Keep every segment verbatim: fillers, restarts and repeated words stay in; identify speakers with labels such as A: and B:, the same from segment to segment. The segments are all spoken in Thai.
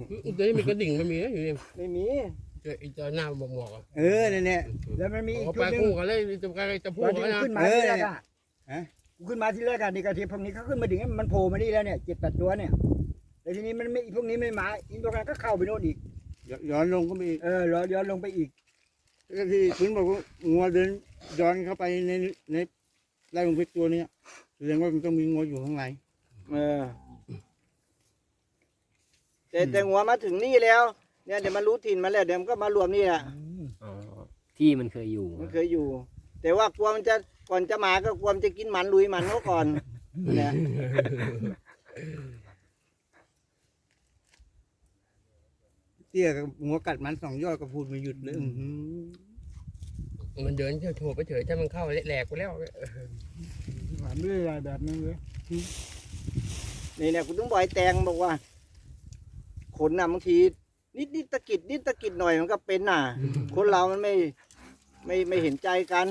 A: เดี๋ยวนี้มีกระดิ่งไม่มีนะอยู่นี่
B: ไม่มี
A: เจอไอ้เจอหน้าหมอกหมอกอ่ะ
C: เออเนี่ยเนี่ย
B: แล้วมันมีอีก
A: เขา
B: จุ
A: ไป
B: ดหนึง
A: คู่กันเลยจะไปจะพู
B: ต
A: ด
B: อนที่
A: กันนะ
B: ขึ้นมาที่แรกอะ
C: ฮะ
B: กูขึ้นมาที่แรกอะนี่กระเทียมพวกนี้เขาขึ้นมาถึงมันโผล่มานี่แล้วเนี่ยเจ็ดแปดตัวเนี่ยแต่ทีนี้มันไม่พวกนี้ไม่มาอีกตัวนั้นก็เข้าไปโน่นอีก
C: ย้อนลงก็มี
B: เออย้อนลงไปอีก
C: ก็ที่คุณบอกว่างัวเดินย้อนเข้าไปในในไร่ลงเพชรตัวเนี้ยแสดงว่ามันต้องมีงัวอยู่ข้างใน
B: เออแต่แต่หัวมาถึงนี่แล้วเนี่ยเดี๋ยวมันรู้ถิ่นมาแล้วเดี๋ยวมันก็มารวมนี่แหละ
D: อ๋อที่มันเคยอยู่
B: มันเคยอยู่ แต่ว่ากลัวมันจะก่อนจะมาก็กลัวมันจะกินหมันลุยหมันเขาก่อนเนี่ย
C: เตี้ยกับงัวกัดมันสองยอดก็พูดไม่หยุดเลยอื้อหือ
A: มันเดินเฉยโถไปเฉยถ้ามันเข้าแหลกไปแล้ว
B: หมันด้วยอะไรแบบนั้นเลยนี่เนี่ยคุณต้องบอกไอ้แตงบอกว่าขนน่ะบางทีนิดนิดตะกิดนิดตะกิดหน่อยมันก็เป็นน่ะ คนเรามันไม่ไม่ไม่เห็นใจกัน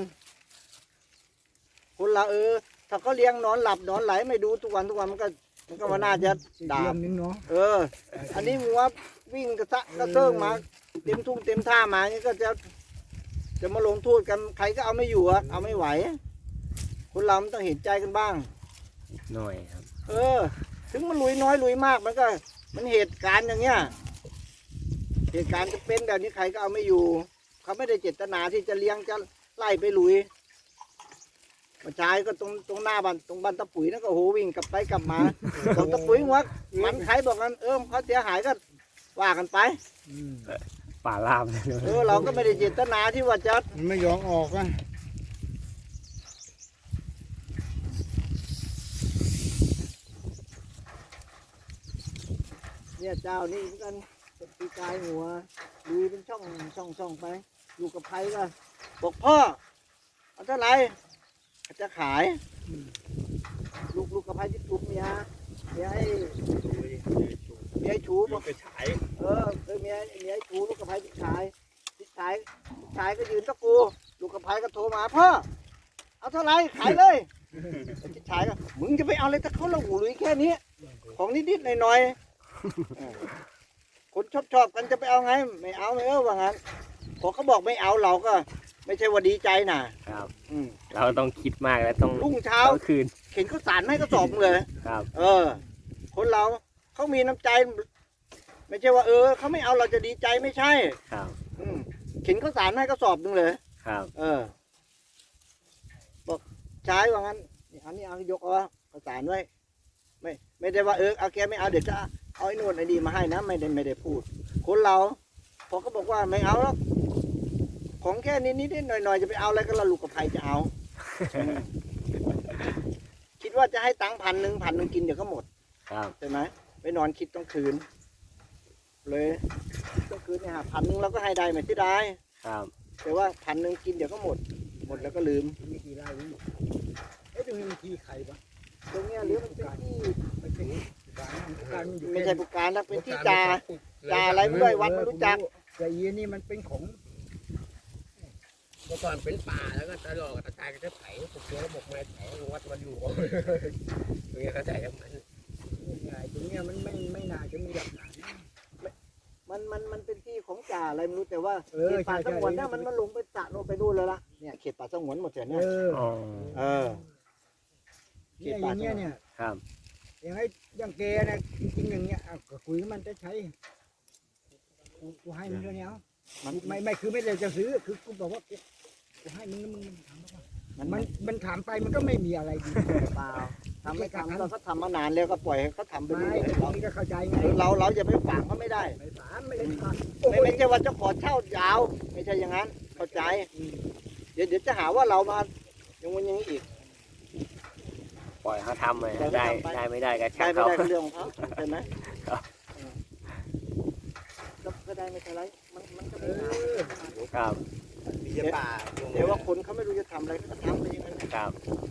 B: คนเราเออ ถ้าเขาเลี้ยงนอนหลับนอนไหลไม่ดูทุกวันทุกวันมันก็มันก็ว่าน่าจะด่าเออ อันนี้มัววิ่งกระซะกระเซิงมาเต็มทุ่งเต็มท่ามานี่ก็จะจะมาลงโทษกันใครก็เอาไม่อยู่อะเอาไม่ไหว คนเรามันต้องเห็นใจกันบ้าง
D: หน่อยครับ
B: เออ ถึงมันลุยน้อยลุยมากมันก็ มันเหตุการณ์อย่างเงี้ยเหตุการณ์จะเป็นแบบนี้ใครก็เอาไม่อยู่ เขาไม่ได้เจตนาที่จะเลี้ยงจะไล่ไปลุยมาชายก็ตรงตรงหน้าบ้านตรงบ้านตะปุ๋ยนั่นก็โหวิ่งกลับไปกลับมาบอกตะปุ๋ยว่ามันใครบอกกันเออเขาเสียหายก็ว่ากันไป
D: ป่าลามเลย
B: เออเราก็ไม่ได้เจตนาที่ว่าจะ
C: มันไม่ยอมออกอ่ะ
B: เนี่ยเจ้านี่เหมือนกันตีกายหัวลุยเป็นช่องช่องช่องไปอยู่กับใครก็บอกพ่อเอาเท่าไหร่จะขายลูกลูกกับใครที่ถูกเมียเมียให้เมียให้ชูบอก
C: ไปฉาย
B: เออเออเมียเมียให้ชูลูกกับใครพี่ชายพี่ชายพี่ชายก็ยืนตะกูลูกกับใครก็โทรมาพ่อเอาเท่าไหร่ขายเลยพี่ชายก็มึงจะไปเอาอะไรถ้าเขาละหูลุยแค่นี้ของนิดๆหน่อยๆคนชอบชอบกันจะไปเอาไงไม่เอาไม่เออว่างั้นพอเขาบอกไม่เอาเราก็ ไม่ใช่ว่าดีใจนะครับ อืม
D: เราต้องคิดมากแล้วต้อง
B: รุ่งเช้า
D: ต้องคืน
B: เข็นข้าวสารให้ก็สอบเลย
D: ครับ
B: เออ คนเราเขามีน้ำใจ ไม่ใช่ว่า เออเขาไม่เอาเราจะดีใจไม่ใช่
D: ครับ
B: อืมเข็นข้าวสารให้ก็สอบหนึ่งเลย
D: ครับ
B: เออ บอกใช้ว่างั้นนี่อันนี้เอายกเอาข้าวสารไว้ ไม่ ไม่ได้ว่าเออเอาแกไม่เอาเดี๋ยวจะเอาไอ้นู่นไอ้นี่มาให้นะไม่ได้ไม่ได้พูด คนเราพอเขาบอกว่าไม่เอาแล้วของแค่นี้นิดๆหน่อยๆจะไปเอาอะไรก็ละลูกกับใครจะเอา คิดว่าจะให้ตังค์พันหนึ่งพันหนึ่งกินเดี๋ยวก็หมด
D: ครับ
B: ใช่ไหมไปนอนคิดต้องคืน เลยต้องคืนเนี่ยหาพันหนึ่งเราก็ให้ได้ไหมที่ได้
D: ครับ
B: แต่ว่าพันหนึ่งกินเดี๋ยวก็หมด หมดแล้วก็ลืมมีกี่ไร่นี่เอ๊ะตรงนี้มันที่ใครปะตรงเนี้ยหรือมันเป็นที่ไม่ใช่การไม่ใช่ผู้การนะเป็นที่จ่าจ่าอะไรไม่ด้วยวัดไม่รู้จักแต่ยีนี่มันเป็นของ
A: เมื่อก่อนเป็นป่าแล้วก็ตลอดกระจายกันจะไถปลูกเชื้อระบบมาไถวัดมันอยู่ตรงนี้เขาใส่กับมัน
B: ตรงเนี้ยมันไม่ไม่น่าจะมีหลักฐานมันมันมันเป็นที่ของจ่าอะไรไม่รู้แต่ว่าเขตป่าสงวนเนี่ยมันมันลงไปตะโนไปนู่นแล้วล่ะเนี่ยเขตป่าสงวนหมดเลยเนี่ย
D: อ๋อ
B: เออเขตป่าเนี่ยเนี่ย
D: ครับ
B: อย่างไอ้อย่างแกนะจริงๆอย่างเงี้ยอ่ะก็คุยกับมันจะใช้กูกูให้มึงเท่านี้เอามันไม่ไม่คือไม่ได้จะซื้อคือกูบอกว่ากูให้มึงแล้วมึงทำแล้วมันมันมันถามไปมันก็ไม่มีอะไรดีเปล่าทำไม่ทำเราก็ทำมานานแล้วก็ปล่อยให้เขาทำไปเรื่อยๆเราก็เข้าใจไงเราเราจะไปฝากเขาไม่ได้ไม่ฝากไม่ได้ฝากไม่ไม่ใช่ว่าจะขอเช่ายาว ไม่ใช่อย่างนั้นเข้าใจเดี๋ยวเดี๋ยวจะหาว่าเรามาอย่างวันอย่างนี้อีก
D: ปล่อยเขาทำเลย
B: ปล่อยเขา
D: ได้
B: ทำไป
D: ได้ไม่ได้ก็
B: ได้
D: ช่าง
B: ไม่
D: เขา
B: ได้ก็เรื่องของเขาใช่ไหม
D: ครับ
B: ก็ก็ได้ไม่เป็นไรมันมันก็ไม่นาน
D: ครับ
C: มีแต่ป่า
B: เดี๋ยวว่าคนเขาไม่รู้จะทำอะไรก็ทำไปอย่างนั้น
D: ครับ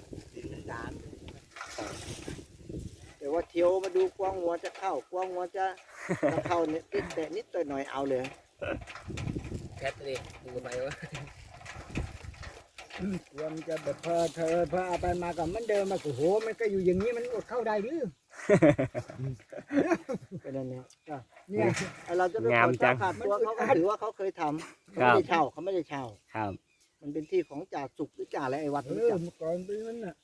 B: เดี๋ยวว่าเที่ยวมาดูกวางหัวจะเข้ากวางหัวจะจะเข้าเนี่ยนิดแต่นิดต่อยหน่อยเอาเลย
A: แคทเลยดูไปว่า
B: กลัวมันจะแบบพอเธอพอเอาไปมากับมันเดิมมาโอ้โหมันก็อยู่อย่างนี้มันอดเข้าได้หรือเป็นอันเนี้ยก็
C: เนี่ย
B: ไอเราจะไป
D: งาม
B: ขอ
D: จั
B: เช่าง ขาดตัวเขาก็ถือว่าเขาเคยทำเขา
D: ครั
B: ไม่
D: บ
B: ได้เช่าเขาไม่ได้เช่า
D: ครับ
B: มันเป็นที่ของจ่าสุกหรือจ่าอะไรไอ้วัด
C: เอ
B: รู้
C: อ
B: จัก
C: เมื่อก่อนเป็นนั้นน่ะ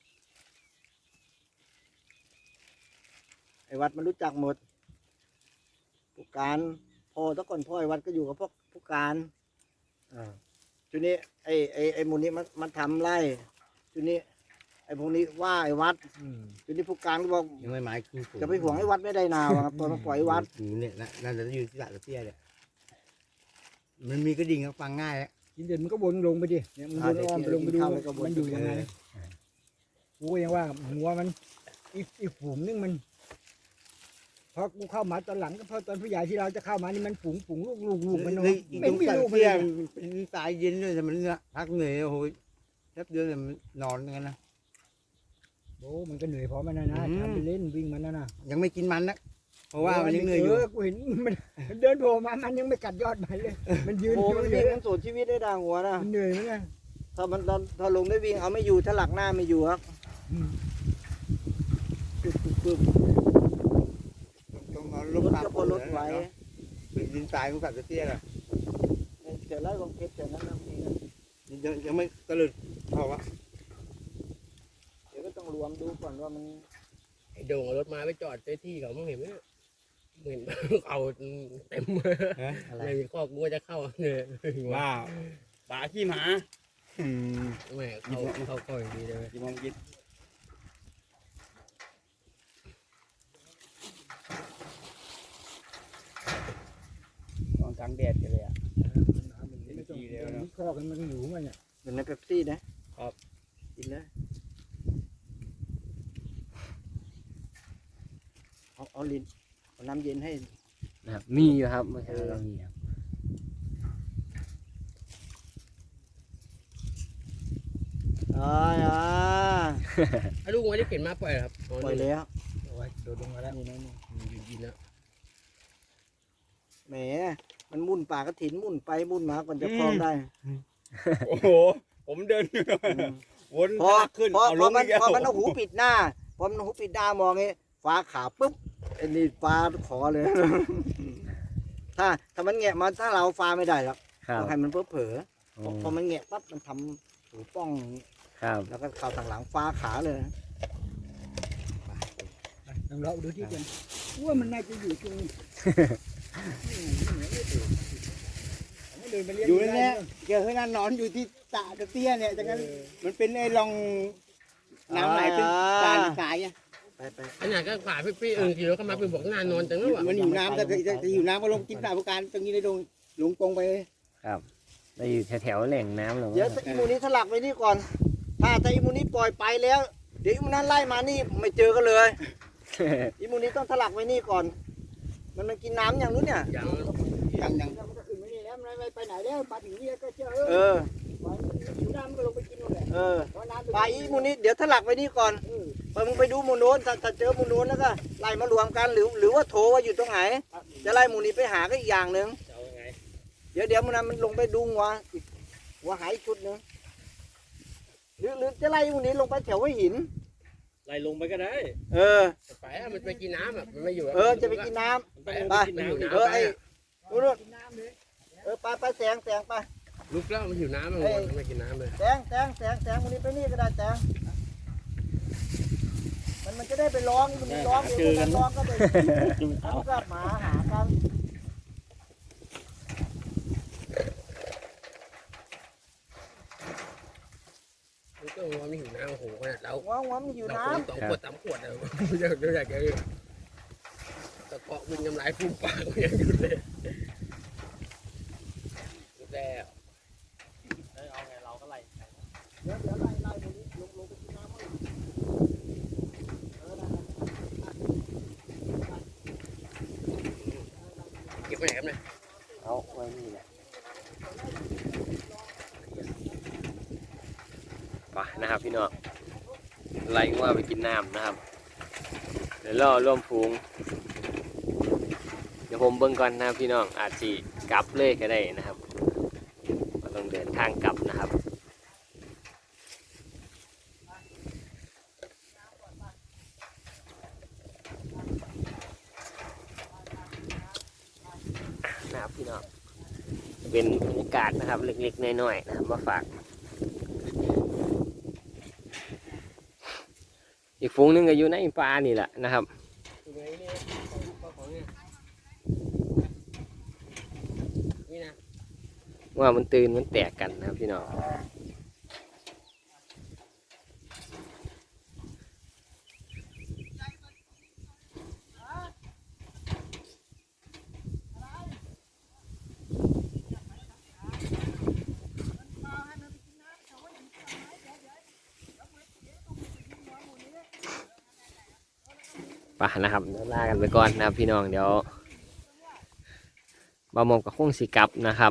B: ไอ้วัดมันรู้จักหมดผู้การพ่อแตะก่อนพ่อไอ้วัดก็อยู่กับพวกผู้การอ่าทีนี้ไอ้ไอ้ไอ้หมูนี้มันมันทำไร่ทีนี้ไอ้พวกนี้ว่าไอ้วัด
C: อืม
B: ทีนี้ผู้การก็บอก
A: ยังไม่หมายคือ
B: จะไปห่วงไอ้วัดไม่ได้นาวะตอนมาปล่อยไอ้วัด
A: เนี่ยนั่นจะอยู่ที่ตะเตี้ยเนี่ยมันมีกระดิ่งฟังง่ายแล้ว
C: กินเด่นมันก็วนลงไปดิเนี่ยมันวนอ้อมไปลงไปดูมันอยู่ยังไงกูก็ยังว่าหัวมันอีกอีกฝูงนึงมันพอกูเข้ามาตอนหลังก็พอตอนผู้ใหญ่ที่เราจะเข้ามานี่มันฝูงฝูงลูกลูกลูกมันเนาะ
A: ไม่
C: ไม่
A: มี
C: มี
A: ลู
C: ลู
A: ก
C: ก
A: เตี้
C: เลย ย
A: เป็นสายเย็นด้วยแต่มันเนี่ยพักเหนื่อยโอ้โหแป๊บเดียวเนี่ยมันนอนกันนะ
C: โอ้มันก็เหนื่อยพอมันนะนะ
A: อืม
C: ทำไปเล่นวิ่งมันนะนะ
A: ยังไม่กินมันนะเพราะว่ามันยังเหนื่อยอยู่
C: กูเห็นมันเดินโผล่มามันยังไม่กัดยอดมันเลย มันยืน
B: โอ้
C: อยู่
B: มัน
C: เล
B: วิ่
C: ย
B: งมันสูญชีวิตได้ด่างหัวนะ
C: มันเหนื่อยเหมือนกัน
B: ถ้ามันตอนถ้าลงได้วิ่งเอาไม่อยู่ถ้าหลักหน้าไม่อยู่ครับ
C: อืม
B: ปึ๊บปึ๊บปึ๊บ
A: ต้องเอา
B: ร
A: ลู
B: ถ
A: กปลา
B: ก็พอรถไหว
A: เป็นดินทรายของสัตว์ตะเตี้ยน่ะ
B: เดี๋ยวไล่ของเพชรเดี๋ยวนั้นนะพี่นะ
A: ยังยังไม่ตะลึดพอวะ
B: เดี๋ยวก็ต้องรวมดูก่อนว่ามัน
A: ไอ้โด่งเอารถมาไปจอดในที่เขาไม่เห็นไหมเห็นเอาเต็ม
B: อะไร
A: ไม่มีข้อกูจะเข้าเนี่ย
C: ว้าวปลาขี้หมา
A: แม่เข้าเข้าข้ออย่างดีเลย
C: กี่โมงกินตอนกลางแดดกันเลยอ่ะไม่ต้องมีข้อกันมันอยู่มันเนี่ย
B: เหมือนในเป๊ปซี่นะครับ กินเลยเอาเอาลิ้นเอาน้ำเย็นให้
D: นะครับมีอยู่ครับเมื่อเช้าเรามีครับ
B: อ่าอ่า
A: ไอ้ลูกมันได้เข็นมาปล่อยเหรอครับ
B: ปล่อยแล้ว
C: โอ้ยโดดลงมาแล้ว
B: นี่นะนี่
A: ยืนกินแล้ว
B: แหมมันมุ่นป่ากระถินมุ่นไปมุ่นมาก่อนจะคลองได้
C: โอ้โหผมเดิน
B: อืม
C: วน
B: พอ
C: ขึ้น
B: พอ
C: เอา
B: พ
C: ล
B: อง มัน
C: อีกแล้ว
B: พอมันเอาหูปิดหน้าพอมันเอาหูปิดหน้ามองงี้ฟ้าขาปุ๊บไอ้นี่ฟ้าขอเลย ถ้าถ้ามันแงะมาถ้าเราฟ้าไม่ได้หรอก
D: ครับ
B: ต้องให้มันเพ้อเผลอ
D: โอ้
B: พอพอมันแงะปั๊บมันทำหูป้อง
D: ครับ
B: แล้วก็เข่าทางหลังฟ้าขาเลย
C: ลองเลาะดูที่กันว่ามันน่าจะอยู่ตรงนี้เดินไปเลี้ยง
A: อยู่ในเนี้ยเจอให้นั่นนอนอยู่ที่ตะตะเตี้ยเนี่ยจังนั้นมันเป็นไอ้รองน้ำไหลเป็นสายสายอ่ะ
B: ไปไป
A: ขนาดก็ขวาพี่ๆเอิงขี่รถเข้ามาเป็นบอกงานนอนจังแล้วอ่ะมันอยู่น้ำแต่จะอยู่น้ำก็ลงกินสายผู้การตรงนี้ได้ลงลงตรงไป
D: ครับเราอยู่แถวๆแหล่งน้ำหรอ
B: เดี๋ยวถ้าอีมูนี้ถลักไว้นี่ก่อน ถ้าถ้าอีมูนี้ปล่อยไปแล้ว เดี๋ยวอีมูนั้นไล่มานี่ไม่เจอกันเลย อีมูนี้ต้องถลักไว้นี่ก่อน มันมันกินน้ำอย่างนู้นเนี่ย
A: อย่างอย่างอย่าง
C: มันก็ขึ้นไปนี่แล้วมันไม่ไปไหนแล้วปลาถึงนี่ก็เจอ
B: เออ
C: อยู่น้ำมันก็ลงไปกินนู่นแหละ
B: เออ
C: เพราะน้ำ
B: ปลาอีมูนี้เดี๋ยวถลักไว้นี่ก่อนพอมึงไปดูหมูโน้นถ้าถ้าเจอหมูโน้นแล้วก็ไล่มารวมกันหรือหรือว่าโทรว่าอยู่ตรงไหน จะไล่หมูนี้ไปหาก็อีกอย่างหนึ่งเดี๋ยวเดี๋ยวมันนั้นมันลงไปดูหัวอีกหัวหายอีกชุดหนึ่งหรือหรือจะไล่หมูนี้ลงไปแถวหัวหิน
C: ไล่ลงไปก็ได้
B: เออ
A: ไปมันไปกินน้ำอ่ะมันไม่อยู่
B: เออจะไปกินน้ำ
A: ไป
B: ไป
A: มันอยู่
B: เออ
A: น้ำไป
B: ไอ้นู่นนู่นเออไปไปแสงแสงไป
A: ลุกแล้วมันอยู่น้ำมันไม่กินน้ำเลย
B: แสงแสงแสงแสงวันนี้ไปนี่ก็ได้แสงมันมันจะได้ไปร้องมันร้องเดี๋ยวมันร้องก็ไปมันก็หมาหากัน
A: ก็ว่ามีหิวน้ำโอ้โหขนาดเรา
B: หัวหัวมันอยู่
A: เรา
B: น้
A: คนสองขวดสามขวดเลยอยากอยากจะตะเกาะวิ่งน้ำลายฟูมปากยังอยู่เลยแต่
C: เอาไงเราก็ไล่
B: ำเดี๋ยวเดี๋ยวไล่ไล่ตรงนี้ลงลงไปกินน้ำมั้งเออนั่น
A: เก็บไปไหนครับเนี่ย
D: เอาไว้นี่แหละไปนะครับพี่น้องไล่ว่าไปกินน้ำนะครับเดี๋ยวล่อร่วมฟูงเดี๋ยวผมเบิ่งก่อนนะครับพี่น้องอาจจะกลับเลยก็ได้นะครับก็ต้องเดินทางกลับนะครับนะครับพี่น้องเป็นบรรยากาศนะครับเล็กๆน้อยๆนะครับมาฝากอีกฝูงหนึงก็อยู่ในป่านี่แหละนะครับ
A: อยู่ในนี่ของของเนี่ยนี่นะ
D: ว่ามันตื่นมันแตกกันนะครับพี่น้องป่ะนะครับเดี๋ยวลากันไปก่อนนะครับพี่น้องเดี๋ยวบามองกับคงสีกลับนะครับ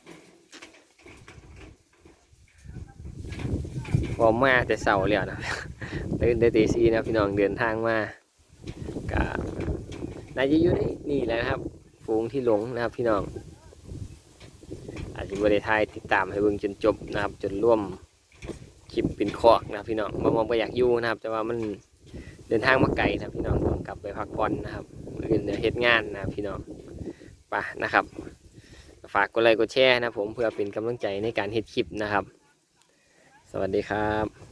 D: พอมาแต่เสาร์แล้วนะ ตื่นแต่ตีสี่นะพี่น้องเดินทางมาก็น่าจะอยู่ในนี่แหละนะครับฝูงที่หลงนะครับพี่น้องอาจจะบริทายติดตามให้เบิ่งจนจบนะครับจนร่วมคลิปเป็นคอกนะครับพี่น้องบามองไปอยากอยู่นะครับแต่ว่ามันเดินทางมาไกลนะพี่น้องต้องกลับไปพักผ่อนนะครับอื่นเดี๋ยวเฮ็ดงานนะพี่น้องไปนะครับฝากกดไลค์กดแชร์นะผมเพื่อเป็นกำลังใจในการเฮ็ดคลิปนะครับสวัสดีครับ